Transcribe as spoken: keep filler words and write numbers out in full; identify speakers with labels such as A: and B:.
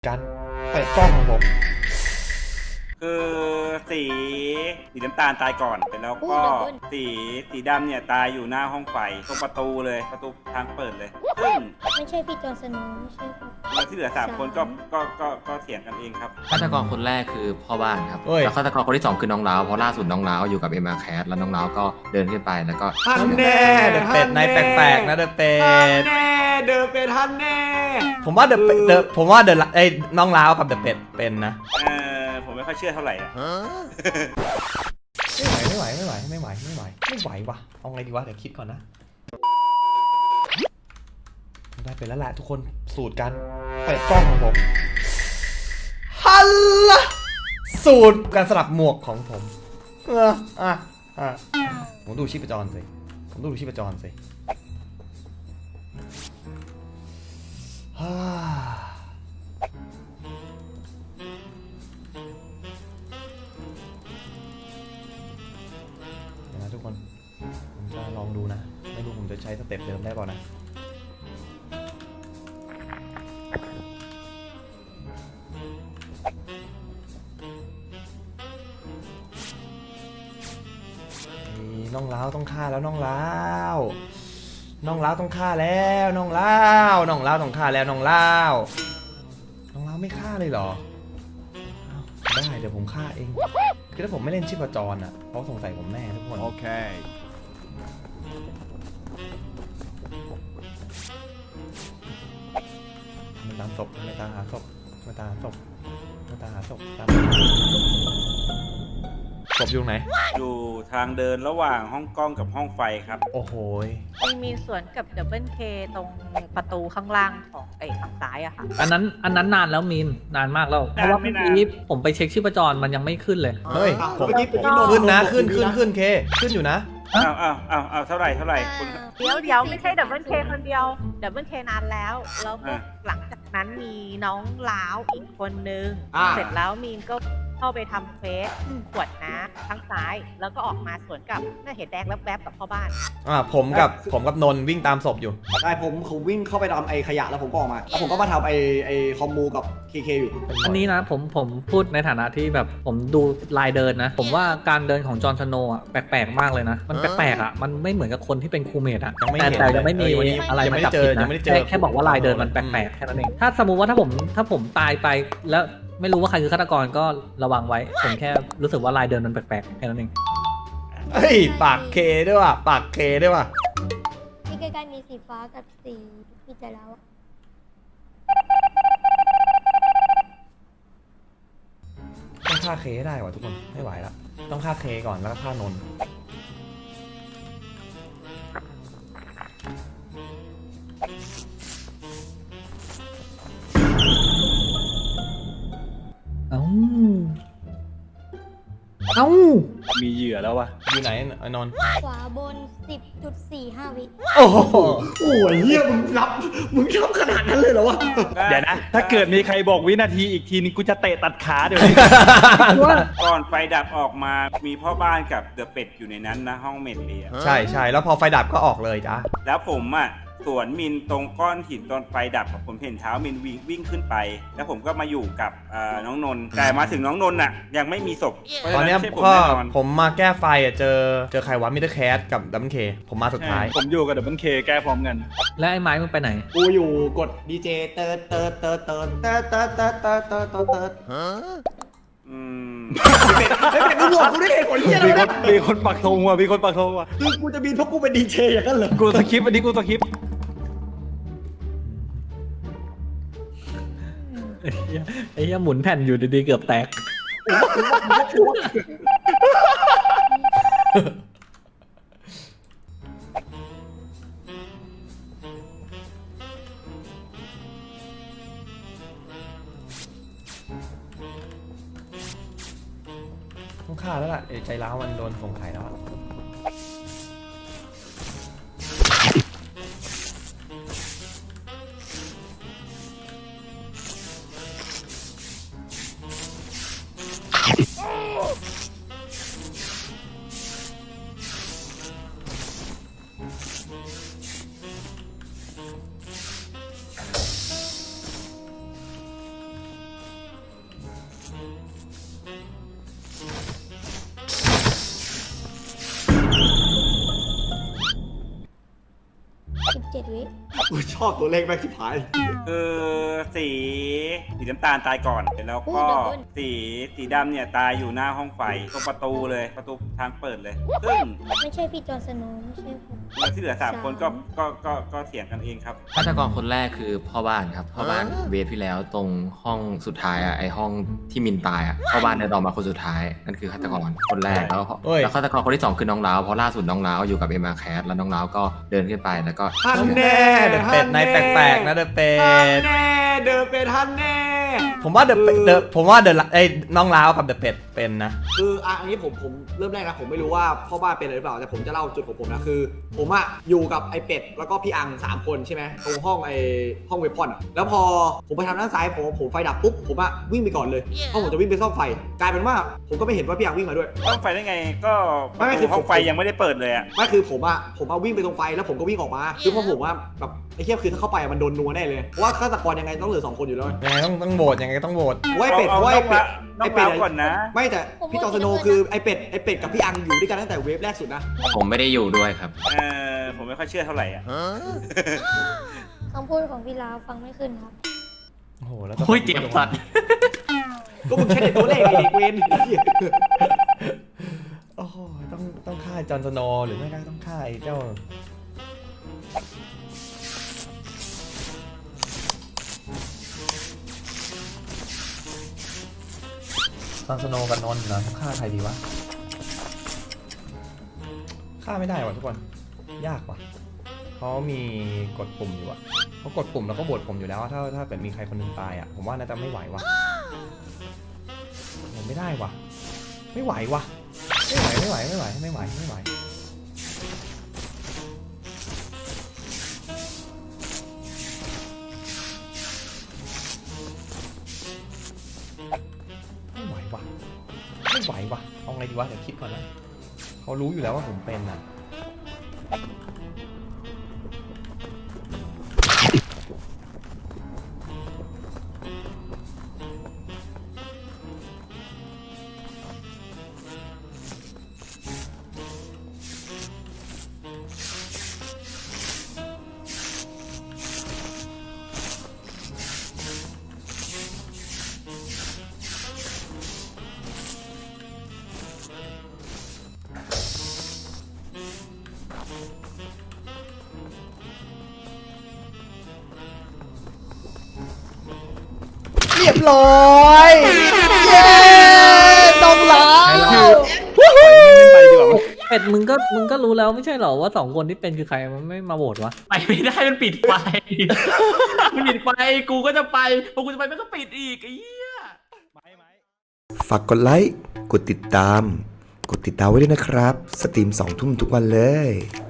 A: การเปิดกล้องของผม
B: คือสีสีน้ำตาลตายก่อนแล้วก็สีสีดำเนี่ยตายอยู่หน้าห้องไฟตรงประตูเลยประตูทางเปิดเลยซึ่ง
C: ไม่ใช่พี่จอห์นสโนว์ไม่ใช่ครับ
B: แล้วที่เหลือสามคนก็ก็ก็ก็เถียงกันเองครับ
D: ฆาตกรคนแรกคือพ่อบ้านครับแล้วฆาตกรคนที่สองคือน้องล้าวเพราะล่าสุดน้องล้าวอยู่กับเอ็มอาร์แคสแล้วน้องล้าวก็เดินขึ้นไปแล้วก็
A: ฮันแน่เดอะเป็ดในแปลกๆนะเดอะเป็ด
E: แน่เดอะเป็ดฮันแน่
A: ผมว่าเดอะเดอะผมว่าเดอะไอ้น้องล้าวกับเดอะเป็ดเป็นนะ
B: เออผมไม่ค่อยเชื่อเท่าไหร่อ่ะ
A: ไม่ไหวไม่ไหวไม่ไหวไม่ไหวไม่ไหวไม่ไหววะเอาไงดีวะเดี๋ยวคิดก่อนนะได้เป็นแล้วแหละทุกคนสูตรการเปิดกล้องของผมฮัลโหลสูตรการสลับหมวกของผมเอออ่ะอ่ะผมดูชีพจรสิผมดูชีพจรสิฮ่าเดี๋ยวนะทุกคนผมจะลองดูนะไม่รู้ผมจะใช้สเต็ปเดิมได้เปล่านะน้องล้าวต้องฆ่าแล้วน้องล้าวน้องล้าวต้องฆ่าแล้วน้องล้าวน้องล้าวต้องฆ่าแล้วน้องล้าวน้องล้าวไม่ฆ่าเลยเหรอได้เดี๋ยวผมฆ่าเองคือถ้าผมไม่เล่นชีพจรอ่ะเขาสงสัยผมแน่ทุกคนโอเคมันตามศพไม่ตามหาศพไม่ตามหาศพไม่ตามหาศพตามศพอยู่ไหน
B: อยู่ทางเดินระหว่างห้องกล้องกับห้องไฟครับ
A: โอ้โห
F: มันมีสวนกับดับเบิลเคตรงประตูข้างล่างของไอ้ฝั่งซ้ายอะค่ะ
E: อันนั้นอันนั้นนานแล้วมีนนานมากแล้วเพราะว่าเมื่อกี้ผมไปเช็คชีพจรมันยังไม่ขึ้นเลย
A: เฮ้ยผมขึ้นนะขึ้นขึ้นขึ้นเคขึ้นอยู่นะ
B: อ้าวอ้าวอ้าวอ้าวเท่าไหร่เท่าไหร่คุณ
F: เดี๋ยวเดี๋ยวไม่ใช่ดับเบิลเคคนเดียวดับเบิลเคนานแล้วแล้วก็หลังจากนั้นมีน้องล้าวอีกคนนึงเสร็จแล้วมีนก็เข้าไปทำเฟสขวดน้ำทั้งซ้ายแล้วก็ออกมาสวนกับน่าเห็นแดงแวบๆกับพ่อบ้าน
A: อ่าผมกับผมกับนนท์วิ่งตามศพอยู่
G: ใช่ผมผมวิ่งเข้าไปทำไอขยะแล้วผมก็ออกมาแล้วผมก็มาทำไอไอคอมมูกับเคเคอยู่
E: อันนี้นะผมผมพูดในฐานะที่แบบผมดูลายเดินนะผมว่าการเดินของจอห์นสโนว์อ่ะแปลกๆมากเลยนะมันแปลกๆอ่ะมันไม่เหมือนกับคนที่เป็นครูเมทอ่ะแต่แต่ยังไม่มีอะไรมาจับผิดนะแค่แค่บอกว่าลายเดินมันแปลกๆแค่นั้นเองถ้าสมมุติว่าถ้าผมถ้าผมตายไปแล้วไม่รู้ว่าใครคือฆาตกรก็ระวังไว้ผมแค่รู้สึกว่าลายเดินมันแปลกๆแค่นั้นเอง
A: เฮ้ยปากเคด้วยว่ะปากเคด้วยว่ะ
C: ที่ใกล้ๆมีสีฟ้ากับสีพี่จะแล้ว
A: ต้องฆ่าเคได้ว่ะทุกคนไม่ไหวละต้องฆ่าเคก่อนแล้วก็ฆ่านนท์
E: เอ้าเอ้า
H: มีเหยื่อแล้ววะ
A: อยู่ไหนไอ้นนท์
C: ขวาบน สิบจุดสี่ห้า วิ
A: โอ้โห
G: โอ้ยเฮียมึงรับมึงชอบขนาดนั้นเลยเหรอวะ
H: เดี๋ยวนะถ้าเกิดมีใครบอกวินาทีอีกทีนึงกูจะเตะตัดขาเดี๋ยวนี้
B: ก่อนไฟดับออกมามีพ่อบ้านกับเดอะเป็ดอยู่ในนั้นนะห้องเมดเลีย
A: ใช่ใช่แล้วพอไฟดับก็ออกเลยจ้ะ
B: แล้วผมอ่ะสวนมินตรงก้อนหินตอนไฟดับผมเห็นเท้ามินวิ่งวิ่งขึ้นไปแล้วผมก็มาอยู่กับน้องนนท์แต่มาถึงน้องนนท์อ่ะยังไม่มีศพ
A: ตอนนี้ก็ผมมาแก้ไฟอ่ะเจอเจอใครวะมิสเตอร์แคสกับดับเบิลเคผมมาสุดท้าย
H: ผมอยู่กับดับเบิลเคแก้พร้อมกัน
E: แล้วไอ้ไม้มึงไปไหน
G: กูอยู่กดดีเจเติร์ดเติร์ดเติร์ดเติร์ดเติร์ดเติร์ดเติร์ดเติร์ดเติร์ดเติร์ดเติร์ด
B: อืม
G: ไม่เป็นกูบอกกูได้เหตุผลเฮียอะไรนะ
H: มีคนปักธงว่ะมีคนปักธงว่ะ
G: คือกูจะบินเพราะกูเป็นดีเจอย่างนั้นเหรอ
H: กูสคริปต์อันนี้กูสคริปต์
E: ไอ้เหี้ยหมุนแผ่นอยู่ดีๆเกือบแตก
A: ต้องฆ่าแล้วล่ะใจร้าวมันโดนสงสัยแล้ว
C: วิ
G: กูชอบตัวเลขแม่งชิบหาย
B: คือสีสีน้ำตาลตายก่อนแล้วก็สีสีดำเนี่ยตายอยู่หน้าห้องไฟตรงประตูเลยประตูทางเปิดเลย ซึ่ง
C: ไม่ใช่พี่จอร์นสโนว์ไม่ใช่ผม
B: แล้วที่เหลือสามคนก็ก็ก็ก็เถียงกันเองครับ
D: ฆาตกรคนแรกคือพ่อบ้านครับพ่อบ้านเวฟที่แล้วตรงห้องสุดท้ายอ่ะไอห้องที่มินตายอ่ะพ่อบ้านเดินออกมาคนสุดท้ายนั่นคือฆาตกรคนแรกแล้วแล้วฆาตกรคนที่สองคือน้องล้าวเพราะล่าสุดน้องล้าวอยู่กับเอ็มอาร์แคสแล้วน้องล้าวก็เดินขึ้นไปแล้วก็
G: ฮันแน่
A: เดอะเป็ดนายแปลกๆนะเดอะเป็
G: ฮัน
A: ด
G: แน่เดินเป็นฮันแน่
A: ผมว่าเดอะเดอะผมว่าเดอะไอ้น้องล้าวกับเดอะเป็ดเป็นนะ
G: คืออ่ะอันนี้ผมผมเริ่มแรกนะผมไม่รู้ว่าพ่อบ้านเป็นอะไรหรือเปล่าแต่ผมจะเล่าจุดของผมนะคือ ผมอะอยู่กับไอ้เป็ดแล้วก็พี่อังสามคนใช่ไหมตรงห้องไอ้ห้องเวพอนอะแล้วพอผมไปทางด้านซ้ายผมผมไฟดับปุ๊บผมอะวิ่งไปก่อนเลยเพราะผมจะวิ่งไปซ่อมไฟกลายเป็นว่าผมก็ไม่เห็นว่าพี่อังวิ่งมาด้วย
B: ห้องไฟได้ไงก็
G: ไม่ไม่คือ
B: ห้องไฟยังไม่ได้เปิดเลยอ่ะ
G: ไม่คือผมอะผมเอาวิ่งไปตรงไฟแล้วผมก็วิ่งออกมาคือเพราะผมว่าแบบไอ้เทียบคือถ้าเข้าไปอะมันโดนนัวแน่เลยเพราะว่าฆาตกรยังไงต้องเหลือสองคนอยู่แล้ว
A: ยังไงต้องต้องโหวตยังไงก็ต้องโหวต
G: ว่าไอ้เป็ด
B: เอา
G: ว่า
B: เอา
G: ไอ้เป็ด
B: น้อง
G: ไอ้เป็ด
B: ล้าวก่อนนะ
G: ไม่แต่พี่จอร์นสโนว์คือไอ้เป็ดไอ้เป็ดกับพี่อังอยู่ด้วยกันตั้งแต่เวฟแรกสุดนะ
D: ผมไม่ได้อยู่ด้วยครับ
B: เออผมไม่ค่อยเชื่อเท่าไหร่อ่ะ
C: คำพูดของพี่ลาวฟังไม่ขึ้นครับ
A: โอ้โหแล้ว
D: โอ้ยเจ็บสัตว์
G: ก็มึงแค่เด็กตัวเลขไอ้เด็กเวน
A: โอ้โหต้องต้องฆ่าจอห์นสโนว์หรือไม่ก็ต้องฆ่าไอ้เจ้าจอห์นสโนว์กับนนท์เหรอต้องฆ่าใครดีวะฆ่าไม่ได้ว่ะทุกคนยากว่ะเขามีกดปุ่มอยู่อะเขากดปุ่มแล้วก็บวชผมอยู่แล้วถ้าถ้าเกิดมีใครคนหนึงตายอะผมว่าน่าจะไม่ไหวว่ะผมไม่ได้ว่ะไม่ไหวว่ะไม่ไหวไม่ไหวไม่ไหวไม่ไหวไม่ไหวไม่ไหวว่ะไม่ไหวว่ะเอาไงดีวะเดี๋ยวคิดก่อนนะเขารู้อยู่แล้วว่าผมเป็นอ่ะเรียบร้อยเย้ต้องล้าว
H: ไปดีกว่า
E: เป็ดมึงก็มึงก็รู้แล้วไม่ใช่เหรอว่าสองคนที่เป็นคือใครมันไม่มาโหวตวะ
D: ไปไม่ได้มันปิดไฟ มันปิดไฟกูก็จะไปพอกูจะไปมันก็ปิดอีกไอ้เหี้ย
I: ฝากกดไลค์ กดติดตาม กดติดตามไว้ด้วยนะครับ สตรีมสองทุ่มทุกวันเลย